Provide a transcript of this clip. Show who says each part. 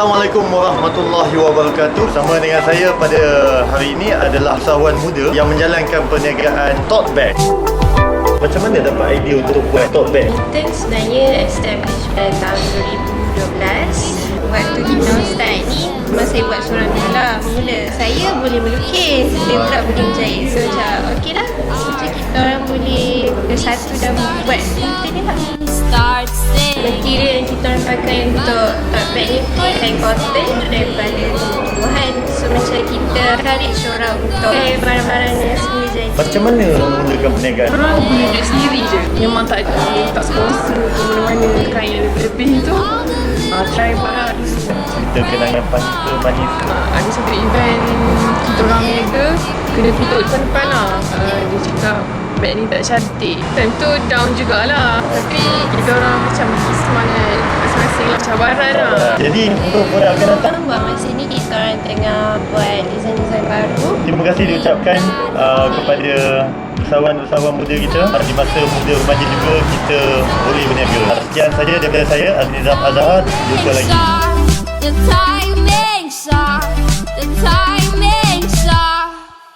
Speaker 1: Assalamualaikum warahmatullahi wabarakatuh. Sama dengan saya pada hari ini adalah usahawan muda yang menjalankan perniagaan tote bag. Macam mana dapat idea untuk buat tote bag?
Speaker 2: Kita sebenarnya establish pada tahun 2012. Waktu kita start ni, memang saya buat seorang dulu lah. Mula saya boleh melukis, dia pula boleh menjahit. So macam okey lah, macam kita orang boleh bersatu dan buat kita ni lah. Material yang kita orang pakai untuk tote bag ni pun kain cotton daripada tumbuhan. So macam kita encourage orang untuk barang-barang yang semua jadi.
Speaker 1: Macam mana memulakan perniagaan?
Speaker 3: Orang boleh duit sendiri je. Memang tak sponsor ke mana-mana kain yang lebih tu. Try barang.
Speaker 1: Cerita kenangan manis.
Speaker 3: Ada satu event kita orang niaga, kena tutup depan-depan lah. Dia cakap beg ni tak cantik. Time tu down jugalah. Tapi kita orang macam semangat masing-masing lah, cabaran lah.
Speaker 1: Jadi untuk orang akan datang,
Speaker 2: Buat masa ni kita orang tengah buat desain-desain baru.
Speaker 1: terima kasih diucapkan kepada usahawan-usahawan muda kita. Di masa muda remaja juga kita boleh berniaga. Sekian saja daripada saya, Azmi Azhar. Jumpa lagi.
Speaker 4: The timing, the time.